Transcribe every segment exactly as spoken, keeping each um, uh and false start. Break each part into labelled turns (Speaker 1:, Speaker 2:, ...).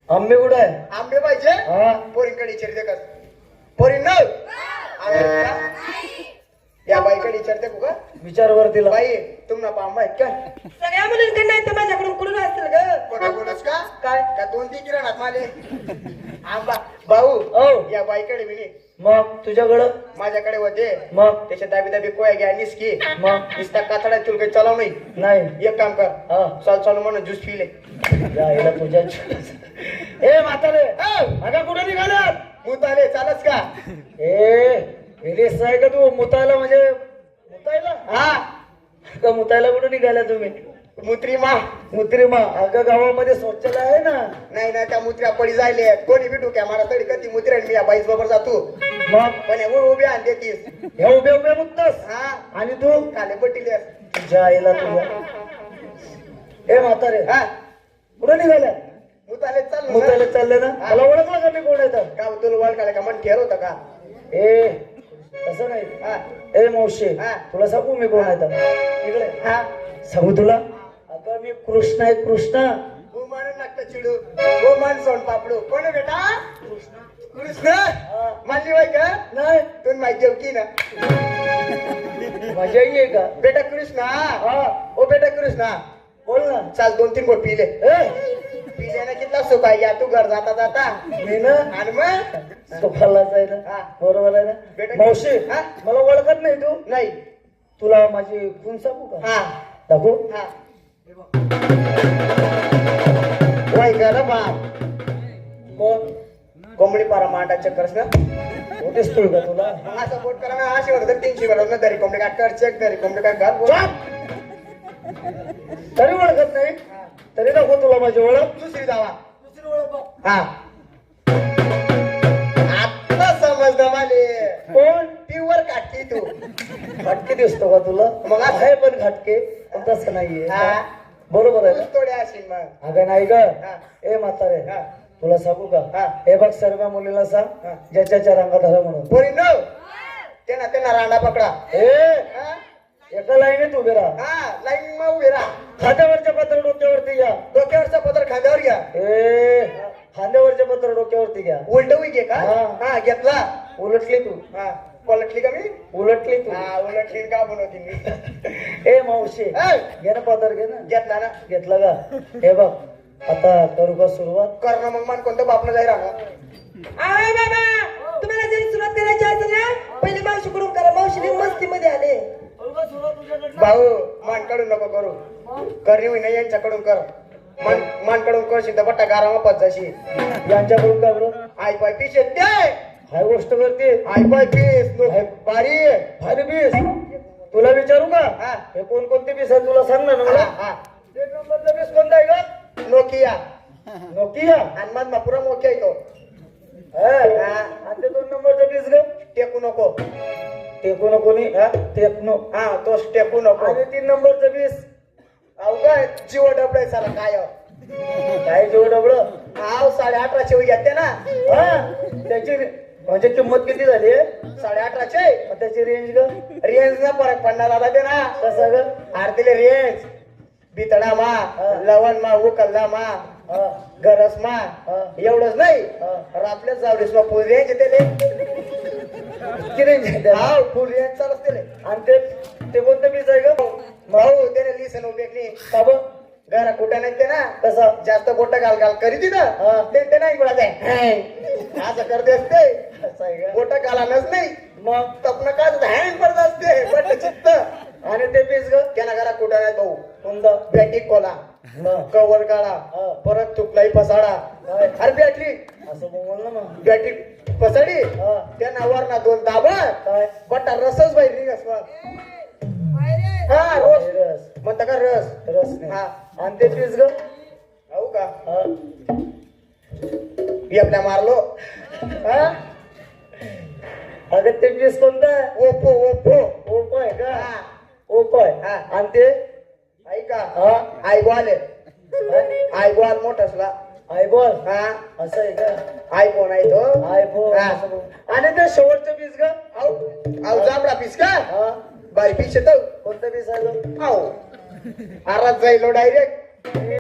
Speaker 1: आंबे कुठे आहे?
Speaker 2: आंबे पाहिजे
Speaker 1: हा
Speaker 2: पोरींकडे विचारते का पोरी न या बाईकडे विचारते का
Speaker 1: विचार वर तिला.
Speaker 2: बाई तुम्हाला पांबा आहेत का
Speaker 3: सगळ्या मुलींकडे नाही तर माझ्याकडून कुठून असतील ग
Speaker 2: कोणा बोलस का
Speaker 3: काय
Speaker 2: का दोन तीन किराणात माले आंबा भाऊ
Speaker 1: औ
Speaker 2: या बाईकडे विनी
Speaker 1: मग तुझ्याकडं
Speaker 2: माझ्याकडे होते
Speaker 1: मग
Speaker 2: त्याच्या दाबी दाबी कोया घ्या निसकी
Speaker 1: मग
Speaker 2: निसता कातडा तुला काही चालव नाही
Speaker 1: नाही
Speaker 2: एक काम कर
Speaker 1: हा
Speaker 2: चाल चालू म्हणून ज्यूस पिले
Speaker 1: यायला तुझ्या ए म्हातारे अगं कुठे निघाल्यात?
Speaker 2: मुताले चालच का
Speaker 1: ए रिलीस आहे का तू मुतायला म्हणजे मुतायला
Speaker 2: हा
Speaker 1: का मुतायला कुठे निघाल्या तुम्ही?
Speaker 2: मुत्री मा
Speaker 1: मुत्रिमा अगं गावामध्ये शौचालय आहे ना.
Speaker 2: नाही ना त्या मुत्र्या पडी जायले कोणी बी डोक्या मारा तरी कधी मुत्र्या मी या बाईस बरोबर जातो
Speaker 1: मग
Speaker 2: पण एवढं उभी आणते तीस
Speaker 1: ह्या उभ्या उभ्या मुतस
Speaker 2: हा
Speaker 1: आणि तू
Speaker 2: काले पट्टीले
Speaker 1: तुझ्या आईला तुझ्या ए म्हातारे
Speaker 2: हा
Speaker 1: कुठे निघाल्या?
Speaker 2: मुताले चाल
Speaker 1: मुतायला चालले ना. मला ओळखलं का मी कोण येतात?
Speaker 2: का तुला वाल काढे का मन ठेर होतं का
Speaker 1: ए तसं नाही.
Speaker 2: हा
Speaker 1: ए मावशी
Speaker 2: हा.
Speaker 1: तुला सांगू मी कोण येतात?
Speaker 2: इकडे हा
Speaker 1: सांगू तुला? अगं मी कृष्ण आहे कृष्ण.
Speaker 2: हो म्हणून लागतं चिडू हो मान सोन पापडू कोण आहे बेटा कृष्ण मानली बाई का
Speaker 1: नाही
Speaker 2: तुम्ही माहिती होती ना
Speaker 1: मजा आहे का?
Speaker 2: बेटा कृष्णा
Speaker 1: हा
Speaker 2: ओ बेटा कृष्णा
Speaker 1: बोल ना.
Speaker 2: चाल दोन तीन गोट पिले
Speaker 1: ए
Speaker 2: पिल्याने कितला सुख आहे या तू घर जाता जाता
Speaker 1: मी ना
Speaker 2: आणि मग
Speaker 1: सुखालाच आहे ना.
Speaker 2: हा.
Speaker 1: बरोबर आहे ना.
Speaker 2: बेटा-
Speaker 1: मावशी
Speaker 2: हा?
Speaker 1: मला ओळखत नाही तू?
Speaker 2: नाही
Speaker 1: तुला माझी खून सांगू का?
Speaker 2: हा
Speaker 1: दाखवू?
Speaker 2: हा वाय गर बाप
Speaker 1: कोण?
Speaker 2: कोंबडी पारा मांडा चक्करस ना
Speaker 1: तो दिसतोय का तुला?
Speaker 2: मग असं बोट करा ना अशी होतं तीनशे बरोबर ना दरी कोंबडी काय कर चेक दरी कोंबडी काय कर बोल.
Speaker 1: चुप! तरी ओळखत नाही तरी दाखव तुला माझी ओळख.
Speaker 2: दुसरी जावा
Speaker 1: दुसरी ओळख बघ.
Speaker 2: हा आता समजलं माले
Speaker 1: कोण?
Speaker 2: प्युअर काठी तू
Speaker 1: घाटके दिसतो का तुला?
Speaker 2: मग असं-
Speaker 1: आहे पण घाटके पण तसं नाहीये.
Speaker 2: हा
Speaker 1: बरोबर आहे ना?
Speaker 2: थोडे असेल मग
Speaker 1: अगं नाही ग.
Speaker 2: हा.
Speaker 1: ए म्हातारे
Speaker 2: हा.
Speaker 1: तुला सांगू का?
Speaker 2: हा.
Speaker 1: हे बघ सर्व मुलीला सांग
Speaker 2: हा.
Speaker 1: ज्याच्या रंगात हरा म्हणून.
Speaker 2: पोरी नो त्यांना त्यांना रांडा पकडा
Speaker 1: ए
Speaker 2: हा
Speaker 1: एका लाईनीत उभे राहा.
Speaker 2: हा लाईन मग उभे राहा
Speaker 1: खांद्यावरच्या पत्र डोक्यावरती घ्या.
Speaker 2: डोक्यावरचा पदर खांद्यावर घ्या
Speaker 1: ए खांद्यावरचे पत्र डोक्यावरती घ्या.
Speaker 2: उलट घे का
Speaker 1: हा.
Speaker 2: हा घेतला
Speaker 1: उलटली तू
Speaker 2: हा पलटली का मी
Speaker 1: उलटली तू.
Speaker 2: हा उलटली का बनवती मी
Speaker 1: ए मावशी
Speaker 2: ए,
Speaker 1: घे ना पदर घे ना.
Speaker 2: घेतला ना
Speaker 1: घेतला का? हे बघ आता करू का सुरुवात?
Speaker 2: कर ना मग मान कोणतं बापनं जाई राहणार
Speaker 3: आय बाबा तुम्हाला जरी सुरुवात करायची असेल ना पहिले मावशीकडून करा मावशी मस्ती मध्ये आले
Speaker 2: भाऊ मान काढून नको करू करणी होईना यांच्याकडून कर मान मान काढून करशील तर बट्टा गारामा पच जाशी
Speaker 1: यांच्याकडून का बरं?
Speaker 2: आई पाय पीस येत ते
Speaker 1: हाय गोष्ट करते
Speaker 2: आई पाय पीस नो बारी
Speaker 1: भारी बीस. तुला विचारू का?
Speaker 2: हा.
Speaker 1: हे कोण कोणते बीस आहे तुला सांग ना
Speaker 2: हा,
Speaker 1: मला.
Speaker 2: हा.
Speaker 1: एक नंबरचा बीस कोणता आहे का?
Speaker 2: Nokia
Speaker 1: Nokia.
Speaker 2: आणि मग पुरा मोठ्या येतो
Speaker 1: हा. आणि ते दोन नंबरचा बीस ग
Speaker 2: टेकू नको
Speaker 1: टेको नको नी हा टेकनो.
Speaker 2: हा तोच टेकू नको
Speaker 1: आणि तीन नंबरचा बीस
Speaker 2: अहो काय जीव डबडे साला काय
Speaker 1: काय जेव डबळ.
Speaker 2: हाव साडे अठराशे होई घेते ना
Speaker 1: हा त्याची रे- म्हणजे किंमत किती झाली आहे?
Speaker 2: साडे अठराशे
Speaker 1: मग त्याची रेंज ग
Speaker 2: रेंज ना फरक पडणार आला ते ना
Speaker 1: कसा ग?
Speaker 2: आरतीले रेंज बितडा मा
Speaker 1: हा.
Speaker 2: लवण मा उकल्ला मा
Speaker 1: हा
Speaker 2: गरस मा
Speaker 1: हा.
Speaker 2: एवढंच नाही
Speaker 1: हा.
Speaker 2: आपल्याच जावडीस मा फुल रेंज येते
Speaker 1: किती रेंज आहे त्याला?
Speaker 2: हाव फुल रेंज चालच ते
Speaker 1: आणि ते ते कोणतं बीस आहे ग?
Speaker 2: भाऊ त्याने लिसन उभेकली
Speaker 1: का बघ
Speaker 2: घरा कुठं नाही ते ना
Speaker 1: कसा?
Speaker 2: जास्त बोट घाल घाल करी ती ना
Speaker 1: हा.
Speaker 2: ते ते नाही गुळा असं करते असते
Speaker 1: कसा आहे ग?
Speaker 2: बोट घालानच नाही
Speaker 1: मग
Speaker 2: तपन काय हँड पडत असते बट चित्त
Speaker 1: आणि ते बीस ग
Speaker 2: त्याला घरा कुठं नाही भाऊ
Speaker 1: कोणता?
Speaker 2: बॅटरी कोला
Speaker 1: मग
Speaker 2: कवर काढा
Speaker 1: हा.
Speaker 2: परत तुकलाई पसाडा
Speaker 1: काय?
Speaker 2: अरे बॅटरी
Speaker 1: असं बोल ना मग.
Speaker 2: बॅटरी पसाडी
Speaker 1: हा.
Speaker 2: त्या नावावर ना दोन दाबा
Speaker 1: काय?
Speaker 2: बटा रसच बाई रिंगस मग हा रोज
Speaker 1: रस
Speaker 2: म्हणता का रस
Speaker 1: रस नाही.
Speaker 2: हा
Speaker 1: आणि ते बीस ग
Speaker 2: हो का
Speaker 1: हा.
Speaker 2: आपल्या मारलो
Speaker 1: हा? अगं ते बीस कोणतं आहे?
Speaker 2: ओपो ओपो
Speaker 1: ओपो आहे का?
Speaker 2: हा.
Speaker 1: ओपो आहे.
Speaker 2: हा.
Speaker 1: आणि ते
Speaker 2: ऐका
Speaker 1: हा
Speaker 2: आई बॉल आई बॉल मोठसला
Speaker 1: आयबॉल
Speaker 2: हा
Speaker 1: असं आहे का?
Speaker 2: आयफोन आहे तो
Speaker 1: आयफोन
Speaker 2: हा.
Speaker 1: असं बोल. आणि ते शेवटचं बीस ग
Speaker 2: आऊ आऊ जांभळा पीस का
Speaker 1: हा
Speaker 2: बारी पीस येतो
Speaker 1: कोणतं बीस आहे ग?
Speaker 2: आऊ आरात जाईल डायरेक्ट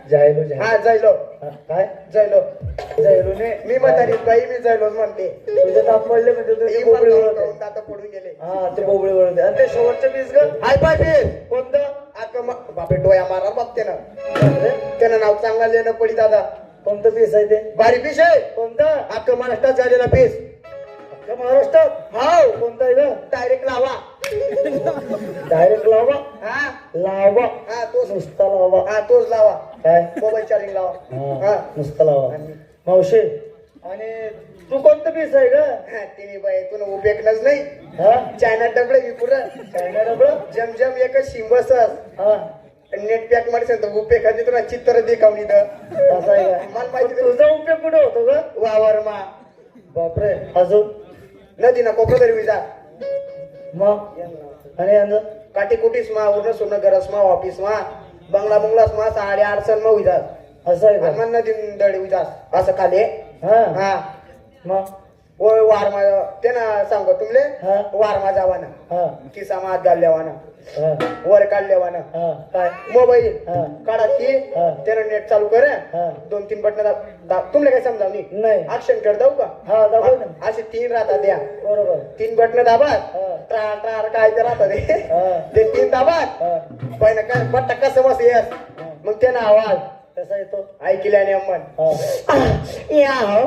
Speaker 1: जायलो जाय
Speaker 2: हा जैलो
Speaker 1: काय
Speaker 2: जैलो
Speaker 1: जायलो ने
Speaker 2: मी म्हातारी बाई मी जैलोच म्हणते
Speaker 1: तुझे दात पडले म्हणजे तुझे
Speaker 2: ही
Speaker 1: बोबडे
Speaker 2: मला
Speaker 1: वळत
Speaker 2: करून दाता पडून गेले
Speaker 1: हा ते बोबडे वळत आणि ते शेवटचे पीस ग
Speaker 2: हाय पाय पीस
Speaker 1: कोणतं
Speaker 2: अक्का म- बापे डोया मारा बाप त्यानं
Speaker 1: अरे,
Speaker 2: त्यानं नाव चांगला लिहिणं पडी दादा
Speaker 1: कोणतं पीस आहे ते
Speaker 2: भारी पीस आहे
Speaker 1: कोणतं
Speaker 2: अक्का महाराष्ट्रात झालेला पीस
Speaker 1: अख्ख्या महाराष्ट्रात
Speaker 2: हाव
Speaker 1: कोणता आहे ग
Speaker 2: डायरेक्ट लावा
Speaker 1: डायरेक्ट लावा
Speaker 2: हा
Speaker 1: लावा
Speaker 2: हा तोच
Speaker 1: नुसता लावा
Speaker 2: हा तोच लावा
Speaker 1: काय
Speaker 2: मोबाईल चार्जिंग लावा
Speaker 1: हा
Speaker 2: हा
Speaker 1: नुसता लावा
Speaker 2: आणि-
Speaker 1: मावशी आणि तू कोणतं पीस आहे ग
Speaker 2: हा, तिने बाई तुला उपेकलंच नाही
Speaker 1: हा
Speaker 2: चायना डबडे मी पुरं
Speaker 1: चायना डबळ
Speaker 2: जम जम एकच शिंबस
Speaker 1: हा
Speaker 2: नेट पॅक मध्ये तर उपेक कधी तुला चित्र देखावली तर
Speaker 1: असं आहे
Speaker 2: मला
Speaker 1: का
Speaker 2: माहिती
Speaker 1: पण तुझा उपयोग कुठे होतो ग
Speaker 2: वावर मा
Speaker 1: बापरे अजून
Speaker 2: नदी ना कोपरा तरी विजा
Speaker 1: मग आणि यांचं
Speaker 2: काटी कुटीस मा उरण सोनं गरस मा ऑफिस मा बंगला बंगलास मा साडे आठसन मा विजास
Speaker 1: असं आहे
Speaker 2: आणि
Speaker 1: का
Speaker 2: मग नदी दडी विजास असं खाली
Speaker 1: हा
Speaker 2: हा
Speaker 1: मग
Speaker 2: ओ वार मा ते ना सांगतो तुमले
Speaker 1: हा.
Speaker 2: वार मा जावाना
Speaker 1: हा
Speaker 2: किसा मा हात घालल्यावाना
Speaker 1: हा
Speaker 2: वर काढल्यावाना
Speaker 1: हा काय
Speaker 2: मोबाईल
Speaker 1: हा.
Speaker 2: काढा की
Speaker 1: हा.
Speaker 2: त्यानं नेट चालू कर
Speaker 1: हा.
Speaker 2: दोन तीन बटन तुमले काय समजावणी
Speaker 1: नाही
Speaker 2: ऍक्शन कर दाऊ का
Speaker 1: हा दाखव ना
Speaker 2: असे तीन राहतात द्या
Speaker 1: बरोबर
Speaker 2: तीन बटन दाबात
Speaker 1: हा.
Speaker 2: ट्रार ट्रार काय ते राहतात ते.
Speaker 1: हा.
Speaker 2: ते तीन दाबात
Speaker 1: हा
Speaker 2: पहिला काय बट्टा कसं बस येस मग त्यानं आवाज
Speaker 1: कसा येतो
Speaker 2: ऐकल्याने अम्मन
Speaker 1: हा
Speaker 2: या हो.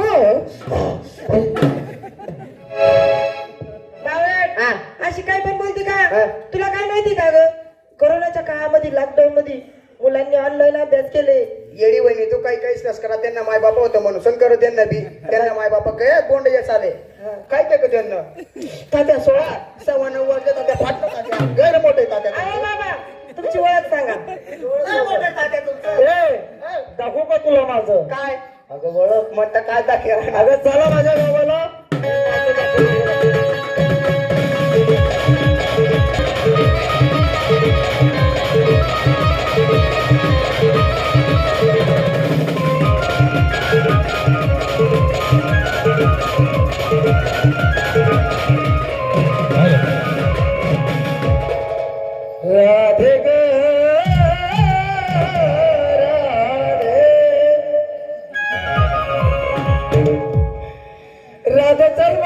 Speaker 3: बावळट,
Speaker 2: हा.
Speaker 3: अशी काय पण बोलते
Speaker 2: हा.
Speaker 3: का तुला काय माहिती का ग कोरोनाच्या काळामध्ये लॉकडाऊन मध्ये मुलांनी ऑनलाईन अभ्यास केले
Speaker 2: येडी वहिनी तू काही काहीच नस करा त्यांना माय बापा होतं म्हणून संकर त्यांना बी त्यांना माय बापा काय बोंड येस आले काय काय का त्यांना तात्या सोळा सव्वा नऊ वर्ष तात्या फाटलं तात्या गैर मोठे तात्या
Speaker 3: अरे बाबा तुमची ओळख सांगा
Speaker 2: गैर मोठे तात्या तुमचं
Speaker 1: ए दाखवू का तुला माझं
Speaker 2: काय
Speaker 1: अगं ओळख
Speaker 2: म्हणता काय दाखवा
Speaker 1: अगं चला माझ्या गावाला राधे ग राधे राधा चल